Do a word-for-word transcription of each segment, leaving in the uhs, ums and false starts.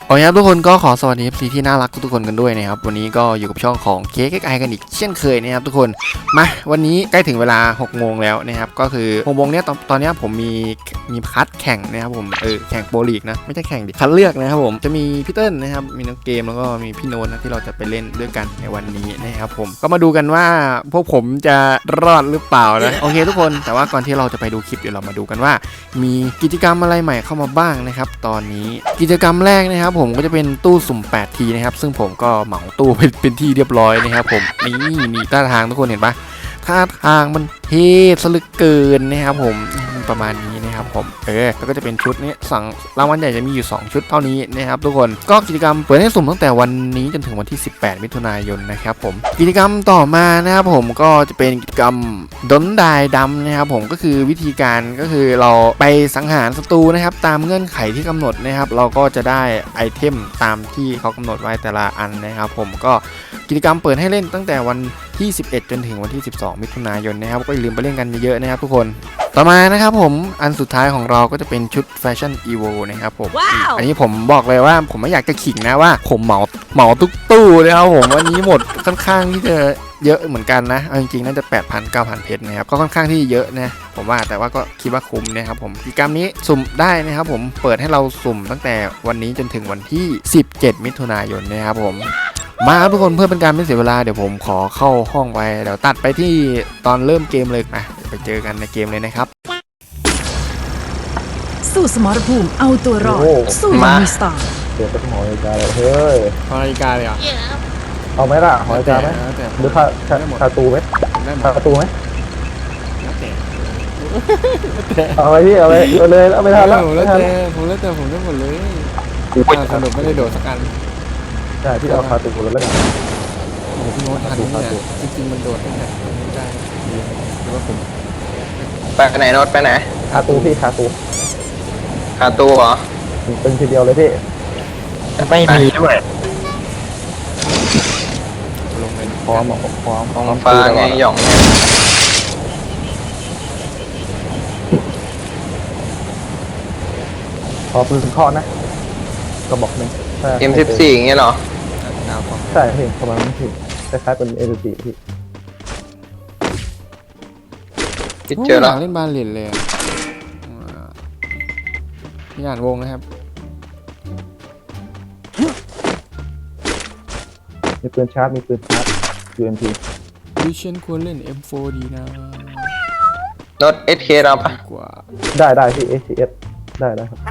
โอเคครับทุกคนก็ขอสวัสดี เอฟ ซี ที่น่ารักทุกคนกันด้วยนะครับวันนี้ก็อยู่กับช่องของเค้กไอกันอีกเช่นเคยนะครับทุกคนมาวันนี้ใกล้ถึงเวลาหกโมงแล้วนะครับก็คือหกโมงเนี้ยตอนตอนนี้ผมมีมีคัดแข่งนะครับผมเออแข่งโปรลีกนะไม่ใช่แข่งดิคัดเลือกนะครับผมจะมีพี่เติ้ลนะครับมีน้องเกมแล้วก็มีพี่โน้ตนะที่เราจะไปเล่นด้วยกันในวันนี้นะครับผมก็มาดูกันว่าพวกผมจะรอดหรือเปล่านะโอเคทุกคนแต่ว่าก่อนที่เราจะไปดูคลิปเดี๋ยวเรามาดูกันว่ามีกิจกรรมอะไรใหม่เข้ามาบ้างนะครับตอนนี้กิจกรรมแรกนะครับผมก็จะเป็นตู้สุ่มแปดทีนะครับซึ่งผมก็เหมาตู้เป็นเป็นที่เรียบร้อยนะครับผมนี่นี่ท่าทางทุกคนเห็นปะท่าทางมันเท่สลึกเกินนะครับผมประมาณนี้นะครับผมเออแล้วก็จะเป็นชุดนี้สั่งรางวัลใหญ่จะมีอยู่สองชุดเท่านี้นะครับทุกคนก็กิจกรรมเปิดให้สุ่มตั้งแต่วันนี้จนถึงวันที่สิบแปดมิถุนายนนะครับผมกิจกรรมต่อมานะครับผมก็จะเป็นกิจกรรมดนดายดำนะครับผมก็คือวิธีการก็คือเราไปสังหารศัตรูนะครับตามเงื่อนไขที่กำหนดนะครับเราก็จะได้ไอเทมตามที่เขากำหนดไว้แต่ละอันนะครับผมก็กิจกรรมเปิดให้เล่นตั้งแต่วันที่สิบเอ็ดจนถึงวันที่สิบสองมิถุนายนนะครับก็อย่าลืมไปเล่นกันเยอะๆนะครับทุกคนต่อมานะครับผมอันสุดท้ายของเราก็จะเป็นชุดแฟชั่นอีโวนะครับผม wow. อันนี้ผมบอกเลยว่าผมไม่อยากจะขิงนะว่าผมเหมาเหมาทุกตู้เลยครับผมวันนี้หมดค่อนข้างที่จะเยอะเหมือนกันนะจริงๆน่าจะ แปดพัน เก้าพัน เพชรนะครับก็ค่อนข้างที่เยอะนะผมว่าแต่ว่าก็คิดว่าคุ้มนะครับผมกิจกรรมนี้สุ่มได้นะครับผมเปิดให้เราสุ่มตั้งแต่วันนี้จนถึงวันที่สิบเจ็ดมิถุนายนนะครับผมมาครับทุกคนเพื่อเป็นการไม่เสียเวลาเดี๋ยวผมขอเข้าห้องไปเดี๋ยวตัดไปที่ตอนเริ่มเกมเลยนะไปเจอกันในเกมเลยนะครับสู้สมรภูมิเอาตัวรอดสู้มามีสตาร์เดี๋ยวจะหอยกาเลยเฮ้ยหอยกาเลยอ่ะเอาไหมล่ะหอยกาไหมหรือคาคาตูไหมคาตูไหมเอาไปพี่เอาไปเอาเลยเอาไปทานแล้วผมแล้วแต่ผมแล้วแต่ผมได้หมดเลยสนุกไม่ได้โดดสักอันใช่พี่เอาคาตูแล้วแล้วกันโอ้พี่โน้ตทันเนี่ยจริงๆมันโดดได้ไงไม่ได้หรือว่าผมไปไหนโน้ตไปไหนคาตูพี่คาตูคาตูเหรอเป็นทีเดียวเลยพี่ไม่มีด้วยลงเลยพร้อมพร้อมของฟ้าไงหย่องพอปืนเคาะนะกระบอกหนึ่งเอ็มสิบสี่อย่างเงี้ยเหรอใช่พี่ประมาณนั้นพี่คล้ายๆเป็นเอสิบสี่พี่คิดเจอแล้วเล่นบาเลนเลยพี่อ่านวงนะครับมีปืนชาร์จมีปืนชาร์จ ยู เอ็ม พีดิฉันควรเล่น เอ็ม โฟร์ ดีนะโน้ต เอส เค เราปะได้ได้พี่ เอส ซี เอส ได้ได้ครับ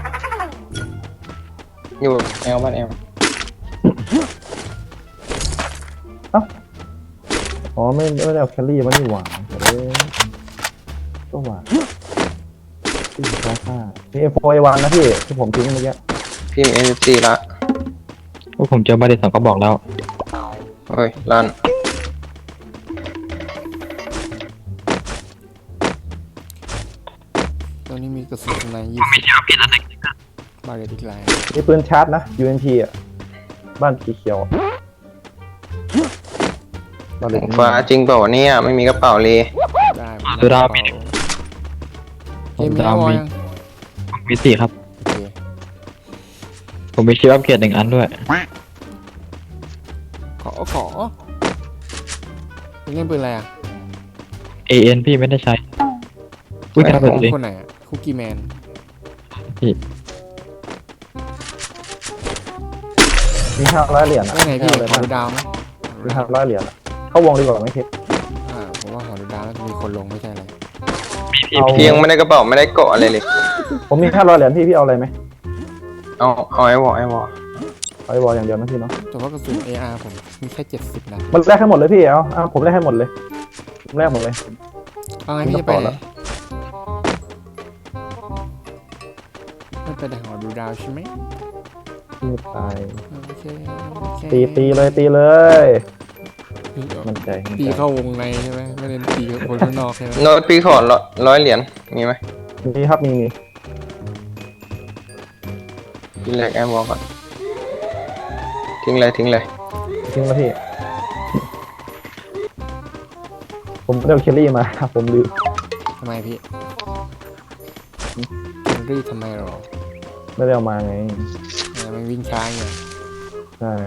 อยู่แอลบ้านแอลเอ้าอ๋อไม่ไม่ได้เอาแคลรี่มันนี่หว่าเลยก็หว่าพี่ฟ้าฟ้ามี เอ็ม โฟร์ เอ วัน นะพี่ที่ผมทิ้งเมื่อกี้พี่มี เอ็ม สิบสี่ละพวกผมเจอบาเดสองก็บอกแล้วเฮ้ยลั่นตอนนี้มีกระสุนในยี่สิบบาเลนอีกลายมีปืนชาร์จนะ ยู เอ็น พี อ่ะบ้านสีเขียวฟ้าจริงเปล่าวะเนี่ยไม่มีกระเป๋าเลยได้ดูดาวมีเกมดาวมีมีสี่ครับผมมีชิปอัพเกรดหนึ่งอันด้วยขอขอเล่นปืนอะไรอ่ะเอ เอ็น พี่ไม่ได้ใช้อุ้ยทำแบบนี้คนไหนอ่ะคุกกี้แมนพี่มีห้าร้อยเหรียญอ่ะไงพี่ขอดูดาวไหมมีห้าร้อยเหรียญเข้าวงดีกว่าไหมคิดอ่าผมว่าขอดูดาวแล้วมีคนลงไม่ใช่อะไรพี่ยังไม่ได้กระเป๋าไม่ได้เกาะอะไรเลยผมมีห้าร้อยเหรียญพี่พี่เอาอะไรไหมเอาเอาไอ้วอไอ้วอไอ้วออย่างเดียวนะพี่เนาะแต่ว่ากระสุน เอ อาร์ ผมมีแค่เจ็ดสิบนัดมันแลกให้หมดเลยพี่เอาเอาผมแลกให้หมดเลยผมแลกหมดเลยเอาไงพี่จะไปไหนไม่ไปแต่ขอดูดาวใช่ไหมพี่ตายโอเคตีตีเลยตีเลยมันใจตีเข้าวงในใช่ไหมไม่ได้ตีคนข้างนอกใช่ไหมโน้ตพี่ขอร้อยเหรียญมีไหมมีครับมีมีทิ้งเลยแอมวอลก่อนทิ้งเลยทิ้งเลยทิ้งแล้วพี่ผมไม่ได้เอาเคลลี่มาผมลืมทำไมพี่เคลลี่ทำไมหรอไม่ได้เอามาไงอ๋อมันวิ่งช้าไงใช่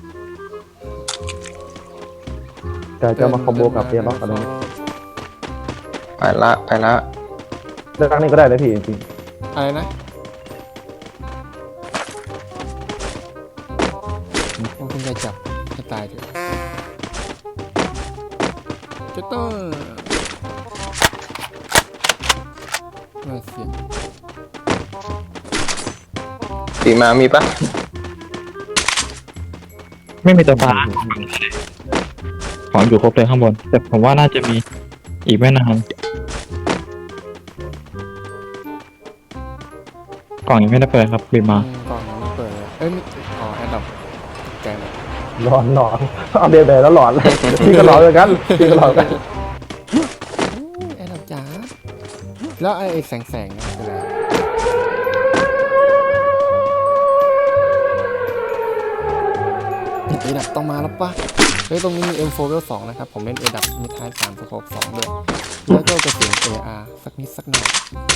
แต่จะมาคอมโบกับเปียล็อกอะไรเนี่ยไปละไปละเรื่องนี้ก็ได้เลยพี่จริงอะไรนะโอ้คุณจะจับจะตายเถอะจะต้องมาเสียงปีมามีปะไม่มีตัวปลาของอยู่ครบเลยข้างบน แต่ผมว่าน่าจะมีอีกไม่นานกล่องยังไม่ได้เปิดครับบีมาอืมก่อนยังไม่เปิดเลยเอ้ยไม่อ๋อแอดดับแกเลยๆหลอนหลอนเอาเดียวเลยแล้วหลอนเลยพี่ก็หลอนเหมือนกันพี่ก็หลอนเหมือนกันแอดดับจ๋าแล้วไอ้แสงแสงๆนั่นคืออะไรเอดับต้องมาแล้วปะเฮ้ยตรงนี้มี เอ็ม โฟร์ Level สองนะครับผมเล่นเอดับมีท้ายสามสโคปสองด้วยแล้วก็กระสุน เอ อาร์ สักนิดสักหน่อย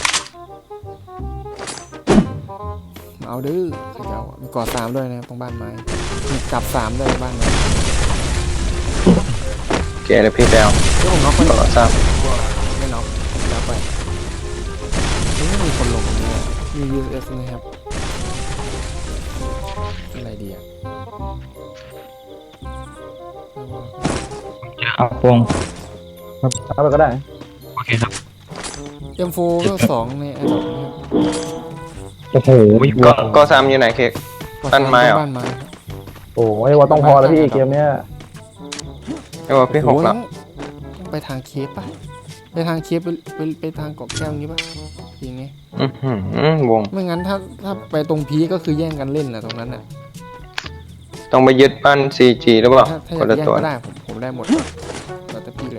มาเอาดื้อขยาวอะมีกอดสามด้วยนะครับตรงบ้านไม้มีกลับสามด้วยบ้านไม้โอเคเลยพี่แปลวเฮ้ยผมน็อกไปต่อซ้ไม่น็อกแล้วไปเฮ้ยไม่มีคนลงตรงนี้อะมี ยู เอส นะครับอะไรดีอ่ะเอาพวงเอาไปก็ได้โอเคครับเอ็ม โฟร์ Level สองในแอดดอปนะครับโอ้โหำก็ก็ซ้ำอยู่ไหนเค้ก บ้านไม้เหรอบ้านไม้ครับโอ้ยว่าต้องพอแล้วพี่เกมเนี้ยไม่ว่าพี่หกโอ้ยแล้วต้องไปทางเคปป่ะไปทางเคปไปไปไปทางเกาะแก้วงี้ป่ะอย่างงี้อื้อหือวงไม่งั้นถ้าถ้าไปตรงพีก็คือแย่งกันเล่นนะตรงนั้นน่ะต้องไปยึดบ้าน ซี จี หรือเปล่าถ้าถ้าอคยาน กละแย่งตัวก็ได้ผมผมได้หมดแล้วแต่พี่เลย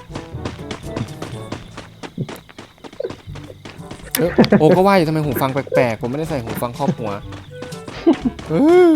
เอ้ยโอ้ก็ว่าอยู่ทำไมหูฟังแปลกๆผมไม่ได้ใส่หูฟังครอบหัวเอ้ย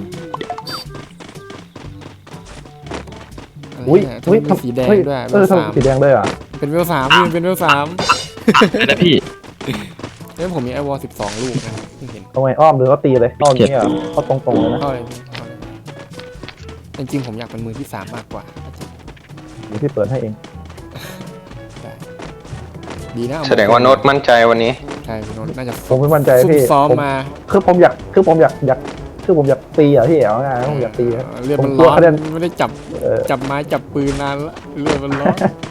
อะไรอุ้ยเนี่ยอุ้ยทำไมมีสีแดงเฮ้ด้วยเออเวลสามทำสีแดงด้วยอ่ะเป็นเวลสามพี่มันเป็นเวลสามนะพี่เอ้ยผมมีไอวอลสิบสองลูกนะครับเพิ่งเห็นเอาไงอ้อมหรือเขาตีเลยอ้อมอย่างนี้เหรอเขาตรงๆเลยนะเข้าเลยพี่เข้าเลยจริงๆผมอยากเป็นมือที่สามมากกว่าเดี๋ยวพี่เปิดให้เองได้ดีนะเอแสดงว่าโน้ตมั่นใจวันนี้ใช่พี่โน้ตน่าจะผมไม่มั่นใจซุ่มพี่ซ้อมผมมาคือผมอยากคือผมอยากอยากคือผมอยากตีอ่ะพี่เอาไงายๆผมอยากตีครับเลือดมันผมกลัร้วอนคะแนนไม่ได้จับเออจับไม้จับปืนนานละเลือดมันร้อน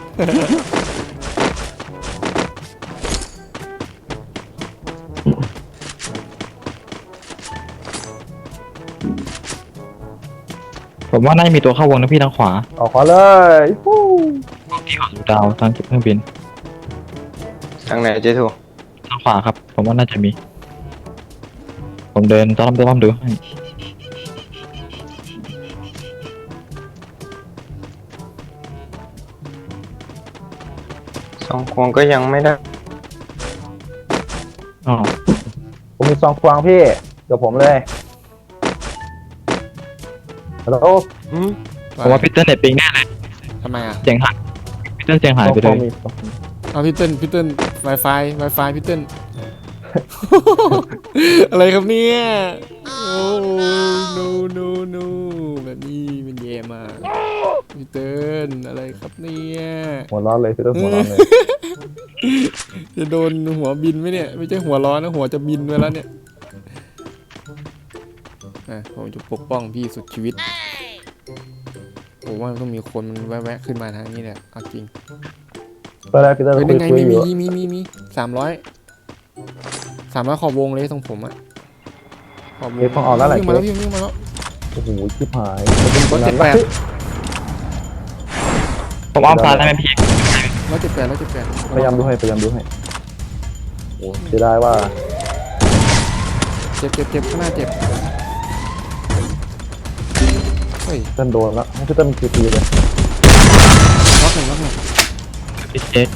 ผมว่าน่าจะมีตัวเข้าวงนะพี่ทางขวาออกขวาเลยฟู้พี่ขอดูดาวทางเก็บเครื่องบินทางไหนเจทูทางขวาครับ ผมว่าน่าจะมี ผมเดินต้อมต้อมดูให้สองควงก็ยังไม่ได้อ๋อผมมีซองควางพี่เดี๋ยวผมเลยฮัลโหลผมว่าพีเตอร์เน็ตปิงแน่เลยทำไมอ่ะเสียงหายพีเตอร์เสียงหายไปซเลองยมีเอาพี่เติ้ลพี่เติ้ล Wi-Fi Wi-Fi พี่เติ้ล อะไรครับเนี่ยโอ้ no no no แบบนี้มันแย่มากพี่เติ้ลอะไรครับเนี่ยหัวร้อนเลยพี่ต้องหัวร้อนเลยจะโดนหัวบินไหมเนี่ยไม่ใช่หัวร้อนนะหัวจะบินไปแล้วเนี่ยอ่ะผมจะปกป้องพี่สุดชีวิตผมว่าต้องมีคนมันแวะๆขึ้นมาทางนี้แหละเอาจริงตอนแรกพี่ต้องเฮ้ยคุยัยงไงคุยมีอยู่มีมีมีมีสามร้อยสามร้อยขอบวงเลยตรงผมอะขอบวงเค้กต้องออกแล้วแหละวิ่งมาแล้วพี่วิ่งมาแล้วโอ้โหชิบหายร้อยเจ็ดแปดผมอ้อมซ้ายได้ไหมพี่ร้อยเจ็ดแปดร้อยเจ็ดแปดพยายามดูให้พยายามดูให้โอ้เสียดายว่าเจ็บเจ็บเจ็บข้างหน้าเจ็บเฮ้ยเต้นโดนแล้วให้พี่เต้นมีกี่ทีเลยล็อกหนึ่งล็อกหนึ่งพี่เจ๊ก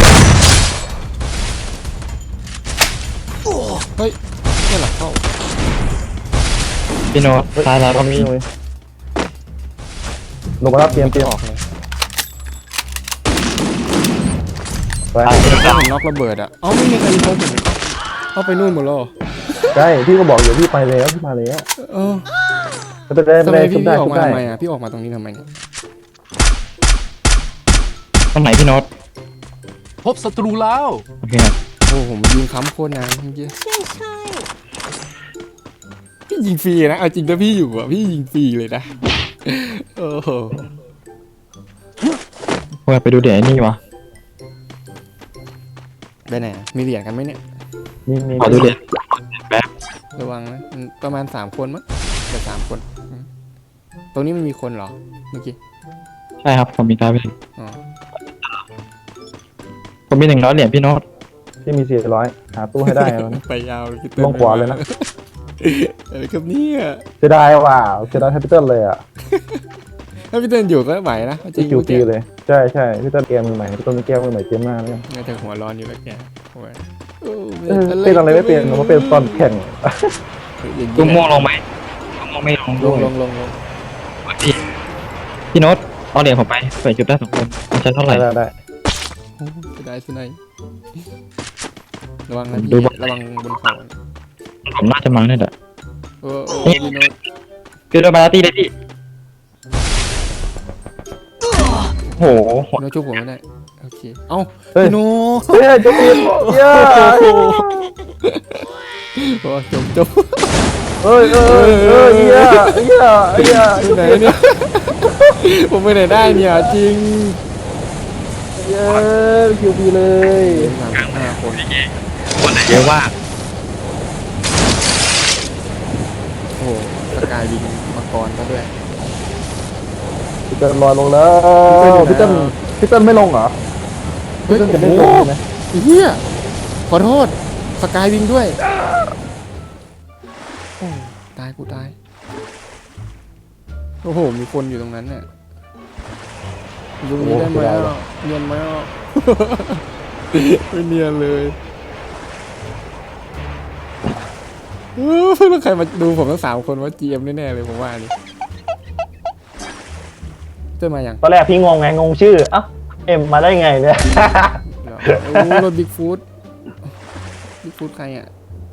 เฮ้ยแค่หลังเข้าพี่โน้ตซ้ายแล้วตก็อนมีนี้เลยลงมาแล้วเตรียมเตรียมออกเลยไปซ้ายถ้าผมล็อกระเบิดอะเอ้าไม่มีใครยิงเขาผมเอาไปนู่นหมดแล้วเหรอใช่พี่ก็บอกอยู่พี่ไปแล้วพี่มาแล้วเออไม่เป็นไรไม่ทำเป็นไมไรพี่ชุบได้พี่ออชุกบมาได้ทำไมอ่ะพี่ออกมาตรงนี้ทำไมเนี่ยตรงไหนพี่โน้ตพบศัตรูแล้วโอเคครับโอ้ผมยิงค้ำโคตรนานเมื่อกี้ใช่ใช่พี่ยิงฟรีนะเอาจริงถ้าพี่อยู่อ่ะพี่ยิงฟรีเลยนะโอ้โหว่าไปดูเดี๋ยวไอ้นี่วะไปไหนอะมีเหรียญกันไหมเนี่ยมีมีขอดูเดี๋ยวแป๊บระวังนะมันประมาณสามคนมั้งแต่สามคนอืมตรงนี้มันมีคนเหรอเมื่อกี้ใช่ครับผมมีตาไปถึงอ๋อผมมีหนึ่งร้อยเหรียญพี่โน้ตพี่มีสี่ร้อยหาตู้ให้ได้แล้วนะไปยาวเลยพี่ลงขวาเลยนะอะไรครับเนี่ยเสียดายว่ะเสียดายแคปิตอลเลยอ่ะถ้าพี่เต้นอยู่ก็ไหวนะจริพี่งคิวๆปีเลยใช่ใช่พี่ต้นเกมมือใหม่พี่ต้นเกมมือใหม่เกมหน้าเนี่ยน่าจะหัวร้อนอยู่แล้วแกโอ้ยโอ้เออเป็นอะไรไม่เป็นผมว่าเป็นตอนแข่งอย่างลูนี้กม่วงลงไหมลูกม่วงไม่ลงลด้วงยลงลงลงพี่พี่โน้ตเอาเหรียญผมไปเปิดจุดได้สองคนมันใช้เท่าไหร่ได้ได้โอ้จะได้สิไหนระวังนะดูพี่บนระวังบนเขาผมน่าจะมังเนี่ยแหละโอ้โอ้พี่โน้ตคือโดนบาราตี้เลยพี่โอ้โหพี่โน้ตช่วยผมไม่ได้โอเคเอ้าเฮ้ยพี่โน้ตเฮ้ยจะปีนเย้โอ้จบจบเฮ้ยเฮ้ยเฮ้ยเย้เย้เย้ที่ไหนเนี่ย ผมไปไหนได้เนี่ยจริงเย้คิวปีเลยสามสิบห้าคนคนไหนเยอะว่าโอ้โหสกายยิงมังกรก็ด้วยพี่เติ้ลลอยลงแล้วพี่เติ้ลพี่เติ้ลไม่ลงเหรอเฮ้ยพี่เติ้ลจะโอ้ไม่โหลงใช่ไหมเฮียขอโทษสกายวิงด้วยโอ้ตายกูตายโอ้โหมีคนอยู่ตรงนั้นเนี่ยอยู่ตรงนี้ได้ไหมอ่ะเนียนไหมอ่ะ ไม่เนียนเลยเออแล้วใครมาดูผมทั้งสามคนว่า จี เอ็ม แน่ๆเลยผมว่านี่เจอมายังตอนแรกพี่งงไงงงชื่อเอ้าเอ็มมาได้ไงเนี่ยเหรอโอ้รถบิ๊กฟูดบิ๊กฟูดใครอ่ะ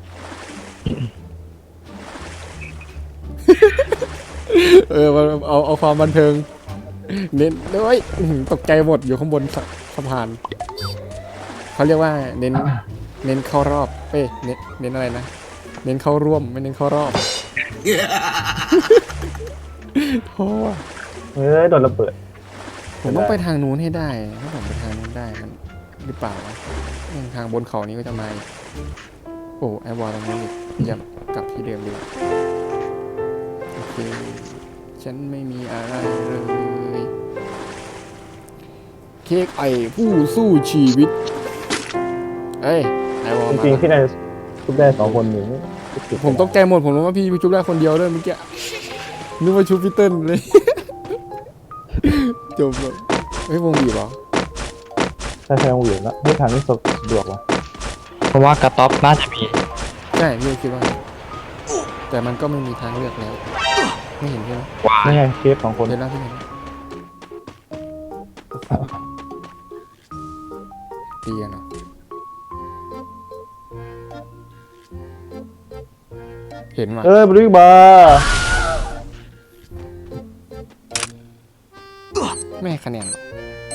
เออมันเอาเอาความบันเทิง เน้นด้วยอื้อหือตกใจหมดอยู่ข้างบนสะสะพานเขาเรียกว่าเน้นเน้นเข้ารอบเอ้ยเน้นเน้นอะไรนะ เน้นเข้าร่วมไม่เน้นเข้ารอบ โอ้ว่ะเฮ้ยโดนระเบิดผมต้องไปทางนู้นให้ได้ถ้าผมไปทางนู้นได้มันหรือเปล่าวะยังทางบนเขานี้ก็จะมาอีกโอ้ไอวอลตรงนี้อีกอย่ากลับที่เดิมดีกว่าโอเคฉันไม่มีอะไรเลยเค้กไอผู้สู้ชีวิตเอ้ยไอวอลจมาริงๆพี่นายทุบได้สองคนอยู่ผมตกใจหมดผมรู้ว่าพี่ชุบได้คนเดียวด้วยเมื่อกี้นึกว่าชุบพี่เติ้ลเลย จบแบบเฮ้ยวงบีบเหรอใช่ใช่วงอยู่แล้วไม่ทางนี้สะดวกวะเพราะว่ากระต๊อบน่าจะมีใช่พี่คิดว่า แต่มันก็ไม่มีทางเลือกแล้ว ไม่เห็นใช่ไหมวานี่ไงเคสสองคนเห็นแล้วพี่เห็นแล้วตีกันเหรอเห็นว่ะเอ้ยบริบาไม่ให้คะแนนหรอก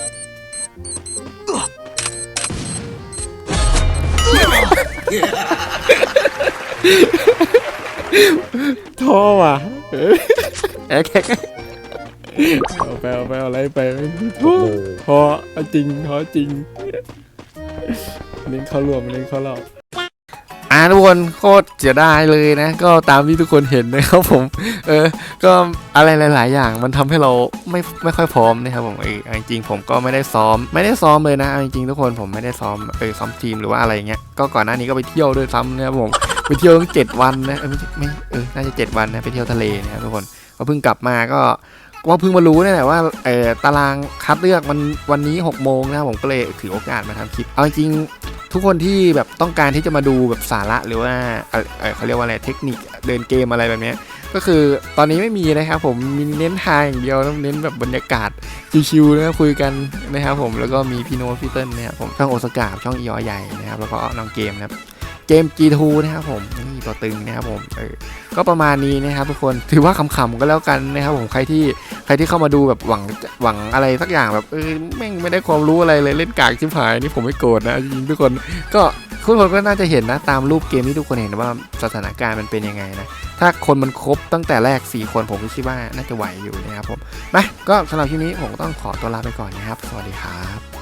ท้อว่ะเอ้ยแอ๊กแอ๊กเอาไปเอาไปเอาอะไรไปท้อท้อเอาจริงท้อจริงเน้นเข้ารวมเน้นเข้ารอบอ่าทุกคนโคตรเสียดายเลยนะ ก็ตามที่ทุกคนเห็นนะครับผม เออ ก็อะไรหลาย ๆ อย่างมันทำให้เราไม่ไม่ค่อยพร้อมนะครับผมเออจริงๆผมก็ไม่ได้ซ้อมไม่ได้ซ้อมเลยนะจริงๆทุกคนผมไม่ได้ซ้อมเออซ้อมทีมหรือว่าอะไรเงี้ยก็ก่อนหน้านี้ก็ไปเที่ยวด้วยซ้ำนะครับผมไปเที่ยวตั้งเจ็ดวันนะเออไม่ใช่ไม่เออน่าจะเจ็ดวันนะไปเที่ยวทะเลนะครับทุกคนก็เพิ่งกลับมาก็ว่าเพิ่งมารู้นี่แหละว่าเออตารางคัดเลือกมันวันนี้หกโมงนะครับผมก็เลยถือโอกาสมาทำคลิปเอาจริงๆทุกคนที่แบบต้องการที่จะมาดูแบบสาระหรือว่าเออเออเขาเรียกว่าอะไรเทคนิคเดินเกมอะไรแบบเนี้ยก็คือตอนนี้ไม่มีนะครับผมมีเน้นทางอย่างเดียวต้องเน้นแบบบรรยากาศชิวๆนะครับคุยกันนะครับผมแล้วก็มีพี่โน้ตพี่เติ้ลนะครับผมช่องโอสกาช่องอีออใหญ่นะครับแล้วก็น้องเกมนะครับเจมส์ จี ทู นะครับผมนี่ตัวตึงนะครับผมเออก็ประมาณนี้นะครับทุกคนถือว่าขำๆก็แล้วกันนะครับผมใครที่ใครที่เข้ามาดูแบบหวังหวังอะไรสักอย่างแบบเออแม่งไม่ได้ความรู้อะไรเลยเล่นกากชิบหายนี่ผมไม่โกรธนะจริงๆทุกคนก็ทุกคนก็น่าจะเห็นนะตามรูปเกมที่ทุกคนเห็นว่าสถานการณ์มันเป็นยังไงนะถ้าคนมันครบตั้งแต่แรกสี่คนผมก็คิดว่าน่าจะไหวอยู่นะครับผมมาก็สำหรับคลิปนี้ผมก็ต้องขอตัวลาไปก่อนนะครับสวัสดีครับ